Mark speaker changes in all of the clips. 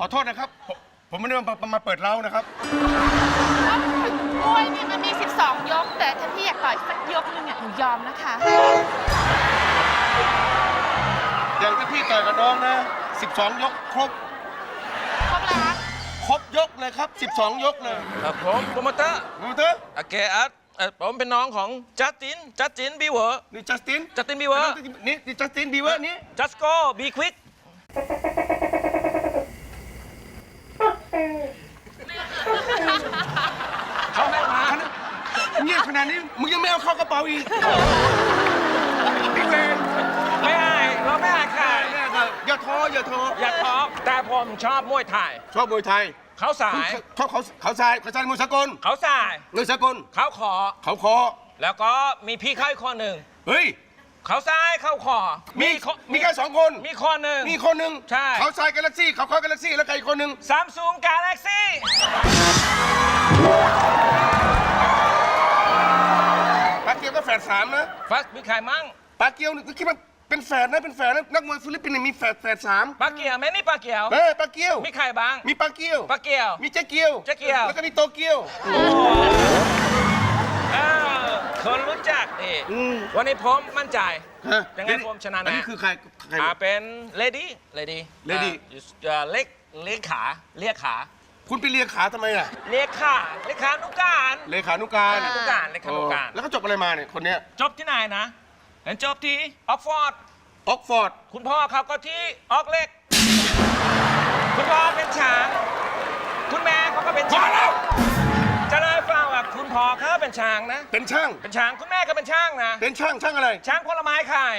Speaker 1: อโทษนะครับผมไม่ได้มาเปิดเล้านะครับ
Speaker 2: มวยเนี่ยมันมี12 ยกแต่ถ้าพี่อยากต่อยสักยกนึงเนี่ยหนูยอมนะคะ
Speaker 1: อย่างที่พี่ต่อยกับน้องนะ12 ยกครบ
Speaker 2: แล้ว
Speaker 1: ครบยกเลยครับ12 ยกเลย
Speaker 3: ครับผมโปรโมเตอร์โอเคผมเป็นน้องของจัสตินบีเวอร์
Speaker 1: นี่จัสติน
Speaker 3: บีเวอร์
Speaker 1: นี่จัสตินบีเวอร์นี่
Speaker 3: จัสโก้บีควิกเขาให้มา
Speaker 1: เงียบขนาดนี้มึงยังไม่เอาเข้ากระเป๋าอีกพี่เวร
Speaker 3: ไม่ให้เราไม่ให้ใคร
Speaker 1: อย่าท้อ
Speaker 3: แต่ผมชอบมวยไทยเขาสาย
Speaker 1: มวยสากล
Speaker 3: เขาสาย
Speaker 1: มวยสากล
Speaker 3: เขาคอแล้วก็มีพี่เขาอีกคนหนึ่ง
Speaker 1: เฮ้ย
Speaker 3: เขาซ้ายเข้าคอ
Speaker 1: มีแค่2 คน
Speaker 3: มีคนหนึ่งใช่
Speaker 1: เขาซ้ายกาแล็กซี่เขาคอกาแล็กซี่แล้วใครอีกคนหนึ่ง
Speaker 3: ซัมซุงกาแล็กซี่
Speaker 1: ปาเกียวก็แฝด3นะ
Speaker 3: มีใครมั่ง
Speaker 1: ปาเกียวนี่คิดว่าเป็นแฝดนะนักมวยฟิลิปปินส์มีแฝด3
Speaker 3: ปาเกียวแม่นี่ปาเกียว
Speaker 1: ปาเกียว
Speaker 3: มีใครบ้าง
Speaker 1: มีปาเกียวมีเจ๊เกียวแล้วก็มีโตเกียว
Speaker 3: คนรู้จักดิวันนี้ผมมั่นใจยังไงผมชนะแน่
Speaker 1: อันนี้คือใคร
Speaker 3: เป็นเลดี้เลียขา
Speaker 1: คุณไปเลียขาทำไมอ่ะ
Speaker 3: เลียขานุการ
Speaker 1: แล้วก็จบอะไรมาเนี่ยคนเนี้ย
Speaker 3: จบที่ไหนนะจบที่ออกฟอร์ดคุณพ่อเขาก็ที่ออกเล็กคุณพ่อเป็นช้างคุณแม่เขาก็เป็นช้างจะได้ฟังว่าคุณพ่อเขาเป็นช้างนะ
Speaker 1: เป็นช่าง
Speaker 3: คุณแม่ก็เป็นช่างนะ
Speaker 1: เป็นช่างอะไร
Speaker 3: ช่างผลไม้ขาย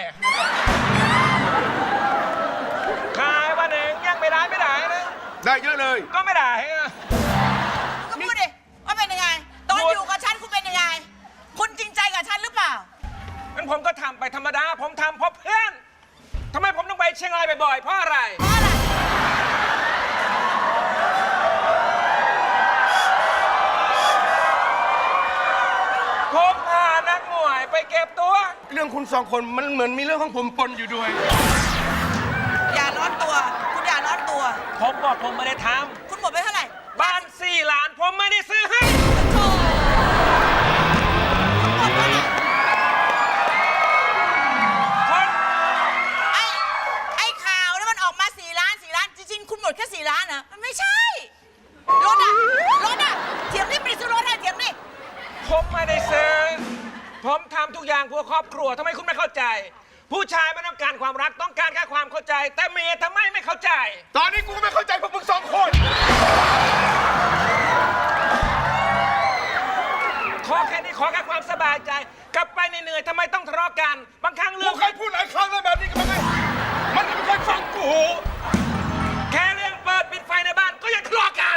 Speaker 3: วันหนึ่งยังไม่ได้นะ
Speaker 1: ได้เยอะเลย
Speaker 3: ก็ไม่ได้
Speaker 4: ก็พูดดิว่าเป็นยังไงตอนอยู่กับฉันคุณเป็นยังไงคุณจริงใจกับฉันหรือเปล่า
Speaker 3: งั้นผมก็ทำไปธรรมดาผมทำเพราะเพื่อนทำไมผมต้องไปเชียงรายบ่อยๆเพราะอะไรผมพานักมวยไปเก็บตัว
Speaker 1: เรื่องคุณ2 คนมันเหมือนมีเรื่องของผมปนอยู่ด้วย
Speaker 4: อย่าร้อนตัวคุณอย่าร้อนตัว
Speaker 3: ผมบอกผมไม่ได้ทำ
Speaker 4: คุณหมดไปเท่าไหร่
Speaker 3: บ้าน4 ล้านผมไม่ได้ซื้อให้
Speaker 4: ไอ้ข่าวนี่มันออกมา4 ล้านจริงๆคุณหมดแค่4 ล้านนะมันไม่ใช่รถอะเถียงนี่ไปซื้อรถให้เถียงนี่
Speaker 3: ผมไม่ได้ซื้อผมทำทุกอย่างเพื่อครอบครัวทำไมคุณไม่เข้าใจผู้ชายไม่ต้องการความรักต้องการแค่ความเข้าใจแต่เมียทำไมไม่เข้าใจ
Speaker 1: ตอนนี้กูไม่เข้าใจพวกมึง2 คน
Speaker 3: ขอแค่นี้ขอแค่ความสบายใจกลับไปเหนื่อยๆทำไมต้องทะเลาะกันบางครั้งเรื่อง
Speaker 1: กูเคยพูดหลายครั้งแล้วแบบนี้กันไหมมันไม่เคยฟังกู
Speaker 3: แค่เรื่องเปิดปิดไฟในบ้านก็ยังทะเลาะกัน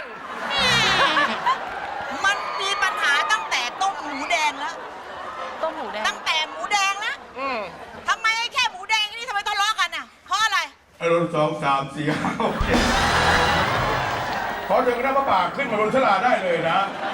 Speaker 4: มันมีปัญหาตั้งแต่ต้มหมูแดงแล้วตั้งแต่หมูแดงแล้วทำไมแค่หมูแดงนี่ทำไมทะเลาะกันอ่ะเพราะอะไร
Speaker 1: รุ่น2 3 4 5 6 7ขอถึงน้ำปลาขึ้นมาบนฉลาได้เลยนะ